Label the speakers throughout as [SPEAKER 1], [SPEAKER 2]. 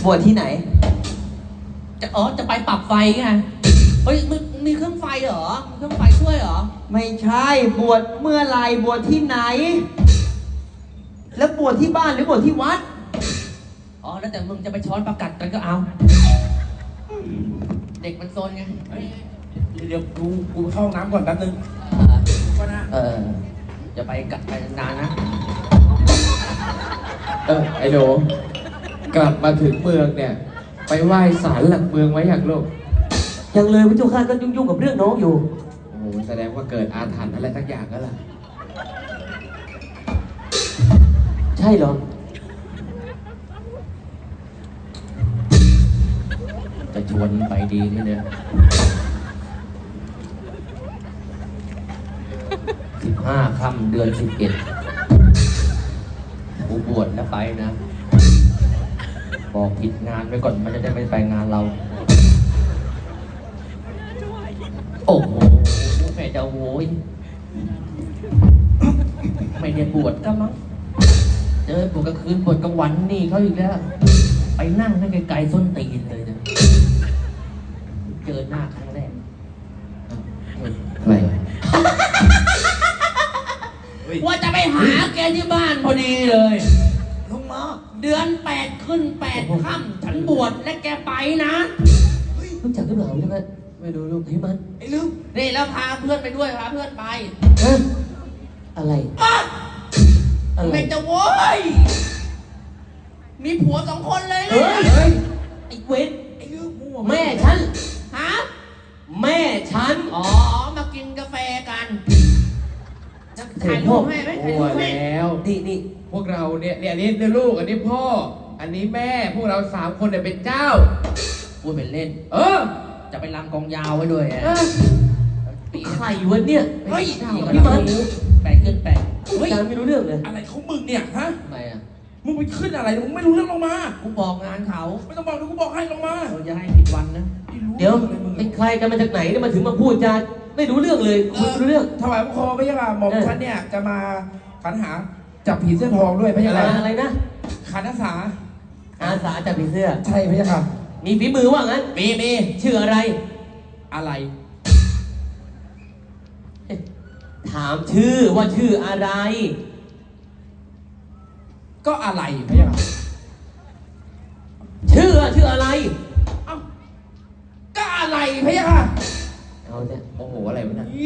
[SPEAKER 1] วชที่ไหน
[SPEAKER 2] จะไปปรับไฟไงเฮ้ยมึงมีเครื่องไฟเหรอมีเครื่องไฟช่วยเหรอ
[SPEAKER 1] ไม่ใช่บวชเมื่อไรบวชที่ไหนแล้วบวชที่บ้านหรือบวชที่วัด
[SPEAKER 2] แล้วแต่มึงจะไปช้อนประกัดกันก็เอาเด็กมันโซนไง
[SPEAKER 3] เดี๋ยวกูเข้าห้องน้ำก่อนแป๊บนึงก็นะ
[SPEAKER 2] จะไปกัดไปนานนะ
[SPEAKER 3] ไอ้หนูกลับมาถึงเมืองเนี่ยไปไหว้ศาลหลักเมืองไว้อย่างลูก
[SPEAKER 1] ยังเลยพระเจ้าข้าก็ยุ่งกับเรื่องน้องอยู่
[SPEAKER 3] โอ้โหแสดงว่าเกิดอาถรรพ์อะไรสักอย่างก็ล่ะ
[SPEAKER 1] ใช่เหรอ
[SPEAKER 2] จะชวนไปดีไหมเนี่ย15 ค่ำเดือน 11กูบวชแล้วไปนะบอกผิดงานไปก่อนมันจะได้ไม่ไปงานเราโอ้โหแม่จะโวยไม่ได้บวชก็มั้งเจอบวชกลางคืนบวชกลางวันนี่เขาอีกแล้วไปนั่งให้ไกลๆส้นตีนเลยนะเจอหน้าครั้งแรก
[SPEAKER 3] อะไร
[SPEAKER 2] ว่าจะไปหาแกที่บ้านพอดีเลย
[SPEAKER 1] ลงมา
[SPEAKER 2] เดือน 8 ขึ้น 8 ค่ำฉันบวชและแกไปนะ
[SPEAKER 1] รู้จักหรือเปล่าใช่ไหม
[SPEAKER 3] ไม่รู้ลูก
[SPEAKER 1] ที่มัน
[SPEAKER 2] ไอ้ลืมนี่แล้วพาเพื่อนไปด้วยพาเพื่อนไป
[SPEAKER 1] อะไร
[SPEAKER 2] ไม่จะโว้ยมีผัว2 คนเลยนะ
[SPEAKER 1] ไอ้เวทไอ้ลืมแม่ฉัน
[SPEAKER 2] ฮะ
[SPEAKER 1] แม่ฉัน
[SPEAKER 2] มากินกาแฟกันถ่ายรูปให้ไหมถ่ายรูปให้
[SPEAKER 3] แล้ว
[SPEAKER 1] นี่
[SPEAKER 3] พวกเราเนี่ยอันนี้ลูกอันนี้พ่ออันนี้แม่พวกเรา3 คนเนี่ยเป็นเจ้า
[SPEAKER 2] พูดเป็นเล่นจะไปรำกองยาวไว้ด้วย
[SPEAKER 1] ใครวะเนี่ย
[SPEAKER 2] เฮ้ย
[SPEAKER 1] พี่มัน
[SPEAKER 2] 8 ขึ้น 8
[SPEAKER 1] การไม่รู้เรื่องเลย
[SPEAKER 3] อะไรของมึงเนี่ยฮะ
[SPEAKER 2] ทำไม
[SPEAKER 3] มึงไปขึ้นอะไรมึงไม่รู้เรื่องลงมา
[SPEAKER 2] กูบอกงานเขา
[SPEAKER 3] ไม่ต้องบอกกูบอกให้ลงมา
[SPEAKER 2] เราจะให้ผิดวันนะ
[SPEAKER 1] เดี๋ยวเป็นใครกันมาจากไหนเนี่ยมาถึงมาพูดจาไม่รู้เรื่องเลยคุยไม่รู้เรื่อง
[SPEAKER 3] ถวายพระโคไม่ใช่ป่ะหม่อมฉันเนี่ยจะมาขันหาจับผีเสื้อทองด้วยพระยาค่ะ
[SPEAKER 1] อะไรนะ
[SPEAKER 3] ขันอาสา
[SPEAKER 1] จับผีเสื้อ
[SPEAKER 3] ใช่พระยาค่ะ
[SPEAKER 1] มีฝีมือว่างั้น
[SPEAKER 2] มี
[SPEAKER 1] ชื่ออะไรถามชื่อว่าชื่ออะไร
[SPEAKER 3] ก็อะไรพระยาค่ะ
[SPEAKER 1] ชื่ออะไร
[SPEAKER 3] ก็อะไรพะยะค่ะ
[SPEAKER 1] เอาเนี่ย
[SPEAKER 3] โอ้โหอะไรวะเนี่ย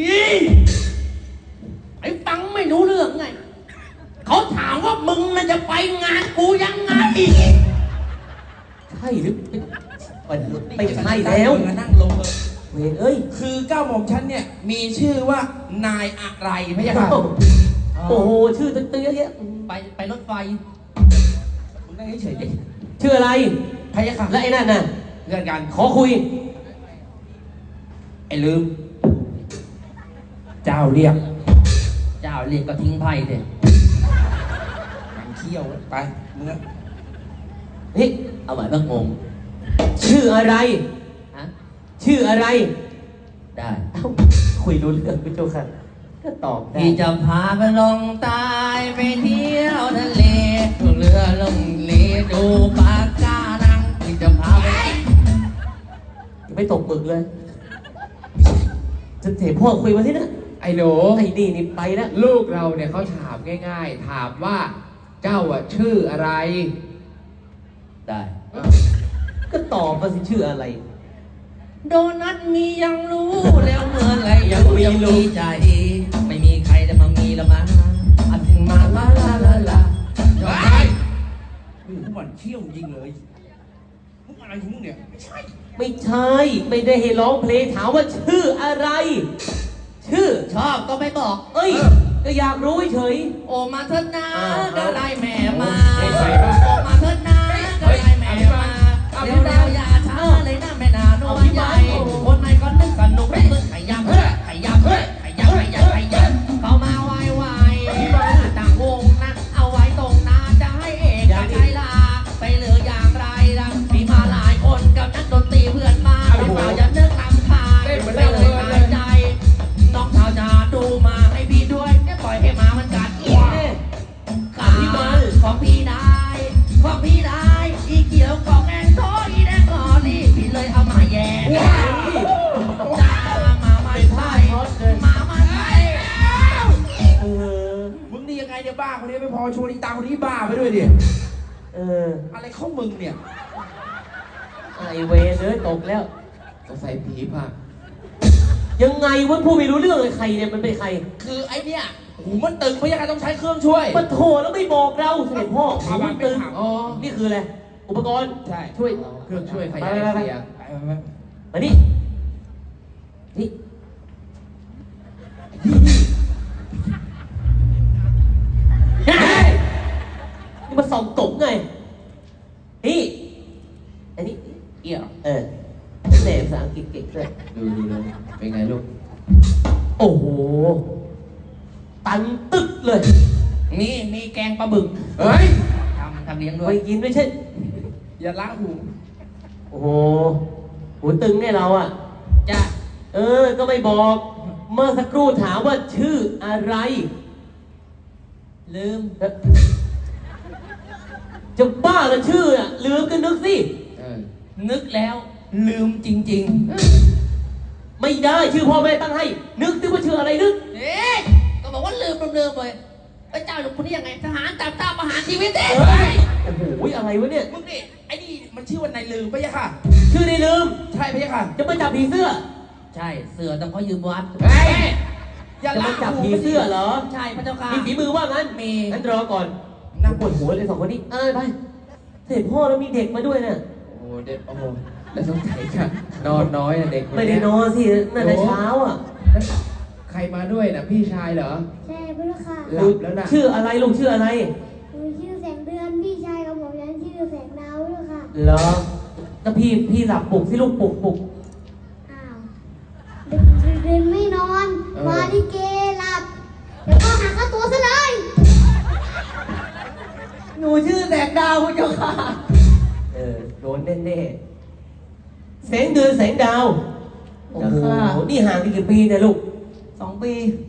[SPEAKER 2] ไอ้ฟังไม่รู้เรื่องไงเขาถามว่ามึงน่ะจะไปงานกูยังไง
[SPEAKER 1] ใช่หรือไม่ใช่แล้ว
[SPEAKER 3] นั่งลงเลย
[SPEAKER 1] เวรเอ้ย
[SPEAKER 3] คือ9 หม่อมฉันเนี่ยมีชื่อว่านายอะไรพะยะค่ะ
[SPEAKER 1] โอ้โหชื่อตึ๊ดๆเยอะแยะ
[SPEAKER 2] ไปรถไฟ
[SPEAKER 3] มึงนั่งเฉย
[SPEAKER 1] ๆชื่ออะไร
[SPEAKER 3] พะยะค่ะ
[SPEAKER 1] และไอ้นั่นน่ะ
[SPEAKER 3] เพื่อนกัน
[SPEAKER 1] ขอคุย
[SPEAKER 3] ไอ้ลืมเจ้าเรียก
[SPEAKER 2] ก็ทิ้งไพ่เด็ด
[SPEAKER 3] มันเขี้ยวไปมึง
[SPEAKER 1] นี่เอาใหม่บ้างงงชื่ออะไรชื่ออะไร
[SPEAKER 2] ได้
[SPEAKER 1] คุยรู้เรื่องพี่โจค่ะก็ตอบได้
[SPEAKER 2] พี่จะพาไปลงใต้ไปเที่ยวทะเลเรือลงเลดูปลาการังพี่จะพาไป
[SPEAKER 1] ไม่ตกบึกเลยจะเสียพ่อคุยมาที่นะ
[SPEAKER 3] ไอ้หนู
[SPEAKER 1] ไอ้นี่ไปนะ
[SPEAKER 3] ลูกเราเนี่ยเขาถามง่ายๆถามว่าเจ้าชื่ออะไร
[SPEAKER 2] ได้
[SPEAKER 1] ก็ตอบมาสิชื่ออะไร
[SPEAKER 2] โดนัทมียังรู้แล้วเมื่อไรยังมีใจไม่มีใครจะมามีละมั้งอันถึงมาลา
[SPEAKER 3] มึงผู้มันเขี้ยวยิงเลยมึงอะไรของมึงเนี่ย
[SPEAKER 1] ไม่ใช่ไม่ได้ให้ร้องเพลงถามว่าชื่ออะไรชื่อ
[SPEAKER 2] ชอบก็ไม่บอก
[SPEAKER 1] ก็อยากรู้เฉย
[SPEAKER 2] โอมาเถิดนะก็ได้แม่มาโอมาเถิดนะก็ได้แม่มาเดี๋ยวเราอย่าช้าเลยนะแม่นาโน้ยใหญ่คนไหนก็นึกสนุกเล่นไข่ยำเข้ามาไวต่างวงนั้นเอาไว้ตรงนาจะให้เอกกับไทยลาไปเหลืออย่างไรล่ะมีมาหลายคนกับนักดนตรีเพื่อนมาไม่เปล่าอย่านึกตามคายไปเลยตายใจน้องสาวจะดูมาให้พี่ด้วยปล่อยให้มามันกัดขาของพี่ได้
[SPEAKER 4] บ้าคนนี้ไม่พอชวนอีตาคนนี้บ้าไปด้วยดิ
[SPEAKER 1] เออ
[SPEAKER 4] อะไรเข้ามึงเนี่ย
[SPEAKER 1] ไอเวรเลยตกแล้ว
[SPEAKER 3] ก็ใส่ผีผัก
[SPEAKER 1] ยังไงวะพูดไม่รู้เรื่องเลยใครเนี่ยมันเป็นใคร
[SPEAKER 4] คือไอ้เนี่ยหูมันตึงไม่ใช่การต้องใช้เครื่องช่วย
[SPEAKER 1] มันโทรแล้วไม่บอกเราเสด็จพ่อ
[SPEAKER 4] พาบ้าน
[SPEAKER 1] ตึง
[SPEAKER 4] ไปหา
[SPEAKER 3] อ๋อ
[SPEAKER 1] นี่คืออะไรอุปกรณ์
[SPEAKER 4] ใช่
[SPEAKER 1] ช่วย
[SPEAKER 3] เครื่องช่วยขยายเสียง
[SPEAKER 1] มานี่นี่เฮ้ยนี่มาส่องกบไงนี่อันนี้
[SPEAKER 2] เอี่ยว
[SPEAKER 1] เออเสพภาษาอังกฤษเก่งด้วย
[SPEAKER 3] ดูเป็นไงลูก
[SPEAKER 1] โอ้โห ตันตึกเลย
[SPEAKER 2] นี่มีแกงปลาบึก
[SPEAKER 3] เฮ้ย
[SPEAKER 2] ทำเลี้ยงด้ว
[SPEAKER 1] ไป
[SPEAKER 2] ย
[SPEAKER 1] กินด้วยใช่
[SPEAKER 4] อย่าล้างหู
[SPEAKER 1] โอ้โห หูตึงเนี่ยเราอ่ะ
[SPEAKER 2] จ้ะ
[SPEAKER 1] เออ ก็ไม่บอก เมื่อสักครู่ถามว่าชื่ออะไร
[SPEAKER 2] ลืม
[SPEAKER 1] จะบ้ากันชื่ออ่ะ ลืมกันนึกสิ
[SPEAKER 3] เออ
[SPEAKER 2] นึกแล้วลืมจริง
[SPEAKER 1] ไม่ได้ชื่อพ่อแม่ตั้งให้ นึกสิว่าชื่ออะไรนึก
[SPEAKER 2] ๆ เอ๊ะก็บอกว่าลืมเลยไอ้เจ้าหนุ่มคนนี้ยังไงทหารจับตามประหารชีวิตเด็ก
[SPEAKER 1] เฮ้ย โอ้โห อะไรวะเนี่ย
[SPEAKER 4] มึงนี่ไอ้นี่มันชื่อว่านายลืมปะยะค่ะ
[SPEAKER 1] ชื่อในลืม
[SPEAKER 4] ใช่ปะยะค่ะ
[SPEAKER 1] จะมาจับผีเสื้อ
[SPEAKER 2] ใช่เสือต้องเขายืมวัด
[SPEAKER 4] เฮ้ยอย่า
[SPEAKER 1] จะ
[SPEAKER 4] ล้า
[SPEAKER 1] มาง จับ
[SPEAKER 4] หู
[SPEAKER 1] ผีเสื้อเหรอ
[SPEAKER 2] ใช่พระเจ้าค่ะ
[SPEAKER 1] มีฝีมือว่างั้น
[SPEAKER 2] มี
[SPEAKER 1] งั้นรอก่อนนั่งปวดหัวเลยสองคนนี้ เอ้ยไป เสร็จพ่อแล้วมีเด็กมาด้วยน่ะ
[SPEAKER 3] โอ้เด็กโอ้โหแล้วสงสัยค่ะนอนน้อยนะเด็กคน
[SPEAKER 1] ไม่
[SPEAKER 3] เนี้
[SPEAKER 1] ได้
[SPEAKER 3] ย
[SPEAKER 1] นอนสินั่นแต่เช้าอ่ะ
[SPEAKER 3] ใครมาด้วยนะพี่ชายเหรอ
[SPEAKER 5] ใช่พุทธค่ะ
[SPEAKER 3] หลับแล้วนะ
[SPEAKER 1] ชื่ออะไรลูกชื่ออะไร
[SPEAKER 5] หนูชื่อแสงเดือนพี่ชายของผมนั้นชื่อแสงดาวพุทธค่ะ
[SPEAKER 1] เหรอแล้วพี่หลับปลุกที่ลูกปลุก
[SPEAKER 5] อ้าวดึกไม่นอนมาดิเกหลับเดี๋ยวก็หาข้าตัวซะเลย
[SPEAKER 1] หนูชื่อแสงดาวคุณเจ้าค่ะ เออโดนแน่ๆแสงเดือนแสงดาว โอ้โห นี่ห่างกันกี่ปีเนี่ยลูก
[SPEAKER 2] 2 ปี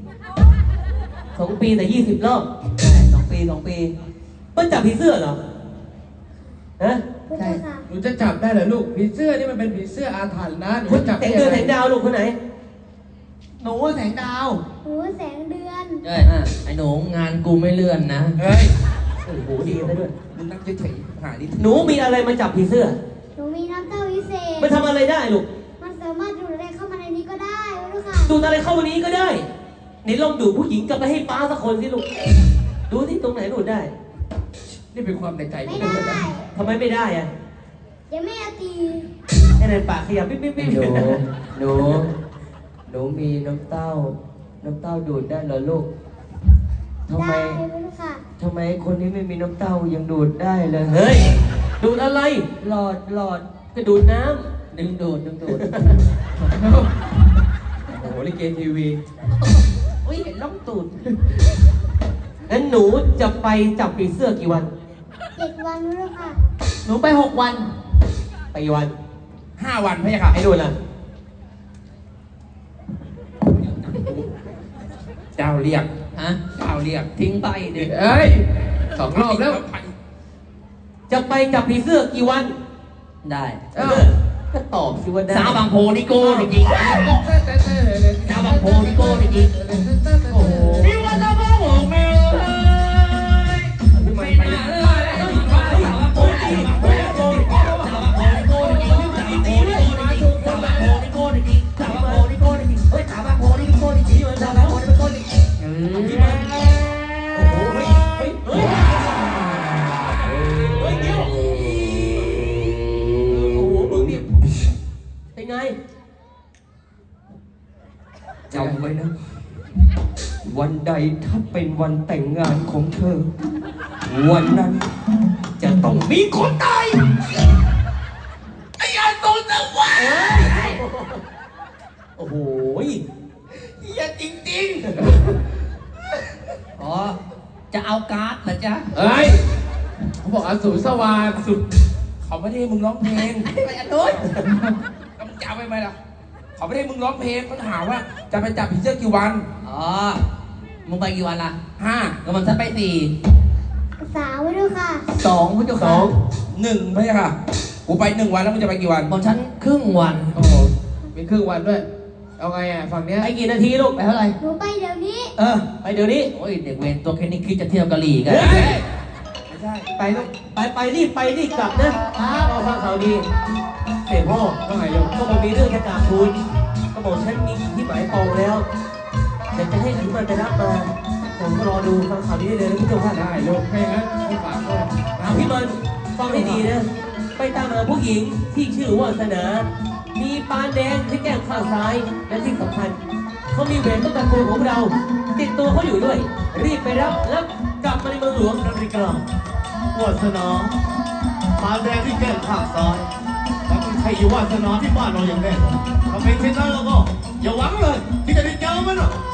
[SPEAKER 1] 2 ปีแต่20 รอบ
[SPEAKER 2] ใช่2 ปี
[SPEAKER 1] เปิ้ลจับผีเสื้อเหรอ ฮะ
[SPEAKER 5] พุทธค่ะ
[SPEAKER 3] หนูจะจับได้เหรอลูกผีเสื้อนี่มันเป็นผีเสื้ออาถรรพ์นะหนู
[SPEAKER 1] คุณ
[SPEAKER 3] จะจับ
[SPEAKER 1] แส
[SPEAKER 3] ได้
[SPEAKER 1] งเดือน
[SPEAKER 3] ยัง
[SPEAKER 1] แส
[SPEAKER 3] ไง
[SPEAKER 1] งดาวลูกคนไหน
[SPEAKER 2] หนูแสงดาว
[SPEAKER 5] หนูแสงเดือน
[SPEAKER 2] เอ้ยไอ้หนูงานกูไม่เลื่อนนะ
[SPEAKER 4] เฮ้ย
[SPEAKER 1] โอ้โหดีซะด้วย
[SPEAKER 4] มึงนั่งเฉยๆหาดิ
[SPEAKER 1] หนูมีอะไรมาจับผีเสื้อ
[SPEAKER 5] หนูมีน้ำเต้าวิเศษ
[SPEAKER 1] มันทำอะไรได้ลูก
[SPEAKER 5] มันสามารถดูดอะไรเข้ามาในนี้ก็ได้พุทธค่ะ
[SPEAKER 1] ดูดอะไรเข้าวันนี้ก็ได้ไหนลองดูดผู้หญิงกลับไปให้ป้าสักคนสิลูก ดูที่ตรงไหนดูดได้
[SPEAKER 3] นี่เป็นความในใจ
[SPEAKER 5] ไม่
[SPEAKER 3] ของ
[SPEAKER 5] ได้
[SPEAKER 3] หนูนะ
[SPEAKER 1] ทำไมไม่ได้อะ
[SPEAKER 5] เดี๋ยวแม่ตี
[SPEAKER 1] ให้ในปากขยับปิ๊บปิ๊บปิ๊บ
[SPEAKER 6] หนูมีน้ำเต้าดูดได้เหรอลูก ทำไม
[SPEAKER 5] ได้พุทธค่ะ
[SPEAKER 6] ทำไมคนที่ไม่มีน้ำเต้ายังดูดได้เลย
[SPEAKER 1] เฮ้ย ดูดอะไร
[SPEAKER 6] หลอด
[SPEAKER 1] ก็ดูดน้
[SPEAKER 2] ดึงดูด
[SPEAKER 3] โอ้โหลิเกทีวี
[SPEAKER 2] อุ้ยเห็นล่องตูด
[SPEAKER 1] ำงั้นหนูจะไปจับผีเสื้อกี่วัน
[SPEAKER 5] 7 วันพุทธค่ะ
[SPEAKER 2] หนูไป6 วัน
[SPEAKER 1] ไปกี่วัน
[SPEAKER 4] 5 วันพะยะค่ะ
[SPEAKER 1] ให้ดูล่ะ
[SPEAKER 4] เจ้าเรียก
[SPEAKER 2] ฮะ
[SPEAKER 4] เจ้าเรียก
[SPEAKER 2] ทิ้งไปเด็ก
[SPEAKER 3] เอ้ย2 รอบแล้ว
[SPEAKER 1] จะไปจับผีเสื้อกี่วัน
[SPEAKER 2] ได้
[SPEAKER 3] เอ้า
[SPEAKER 1] ก็ตอบสิว่าได้
[SPEAKER 2] สาวบางโพนี่โก้จริงๆสาวบางโพนี่โก้จริงๆ
[SPEAKER 1] โอ้โห
[SPEAKER 2] พี่ว่าจะมาบอกแม่เลยไม่น่าเลยสาวบางโพนี่โก้จริงๆสาวบางโพนี่โก้จริงๆสาวบางโพนี่โก้จริงๆสาวบางโพนี่โก้จริงๆเฮ้ยสาวบางโพนี่โก้จริงๆสาวบางโพนี่โก้จริงๆ
[SPEAKER 1] โอ้โหเฮ้ยเฮ้ยเฮ้ยเฮ้ยเดี๋ยวโอ้โหมึงนี่เป็นไง
[SPEAKER 6] จำไว้นะ วันใดถ้าเป็นวันแต่งงานของเธอ วันนั้นจะต้องมีคนตาย
[SPEAKER 4] ไอ้ยันตูจะว่า
[SPEAKER 1] โอ้โห
[SPEAKER 4] เฮียจริง
[SPEAKER 2] อ๋อ จะเอาการ์ดเหรอจ๊ะ
[SPEAKER 3] เอ้ยเขาบอกอสูรสวาท
[SPEAKER 4] ๆ เขาไม่ได้ให้มึงร้องเพลง
[SPEAKER 2] ไปอันนู้น
[SPEAKER 4] กำจำไปไหมล่ะ เขาไม่ได้ให้มึงร้องเพลงเขาถามว่าจะไปจับผีเสื้อกี่วัน
[SPEAKER 2] อ๋อ มึงไปกี่วันล่ะ
[SPEAKER 4] 5
[SPEAKER 2] ก็มันจะไป4
[SPEAKER 5] 3พุทธค่ะ
[SPEAKER 2] 2พุทธ
[SPEAKER 1] ส
[SPEAKER 2] ค่ะ
[SPEAKER 1] อง
[SPEAKER 4] 1พะยะค่ะ กูไป1 วันแล้วมึงจะไปกี่วัน
[SPEAKER 2] บนชั้นครึ่งวัน
[SPEAKER 3] โอ้โหมีครึ่งวันด้วยเอาไงอ่ะฝั่งเนี้ย
[SPEAKER 1] ไปกี่นาทีลูกไปเท่าไหร่
[SPEAKER 5] หนูไปเดี๋ยวนี้
[SPEAKER 1] ไปเดี๋ยวนี้
[SPEAKER 2] โอ้ยเด็กเวรตัวแค่นี้คิดจะเที่ยวกะหรี่กัน
[SPEAKER 1] เฮ้ย
[SPEAKER 4] ไม่ใช่
[SPEAKER 1] ไปลูกไปรีบกลับนะเอาฟังข่าวดีเสด็จพ่อ
[SPEAKER 3] ว่าไงลูก
[SPEAKER 1] ก็บอกมีเรื่องจะกราบทูลก็บอกฉันมีที่หมายปองแล้วเดี๋ยวจะให้อนุมันไปรับมาผมก็รอดูฟังข่าวนี้ได้เลยนะผู้ชมท่าน
[SPEAKER 3] ได้ลูกถ้าอย่างนั้นพี่ฝากด้วย
[SPEAKER 1] พี่มันฟังให้ดีนะไปตามหาผู้หญิงที่ชื่อวาสนา มีปานแดงที่แก้มข้างซ้ายและที่สำคัญเขามีแหวนต้นตระกูลของเรา ติดตัวเขาอยู่ด้วย รีบไปรับแล้วกลับมาในเมืองหลวงนั่นเองครับวาสนาปานแดงที่แก้มข้างซ้ายแล้วมันใช่อยู่วาสนาที่บ้านเราอย่างแน่นอนถ้าเป็นเช่นนั้นแล้วก็อย่าหวังเลยที่จะได้เจอมันหรอก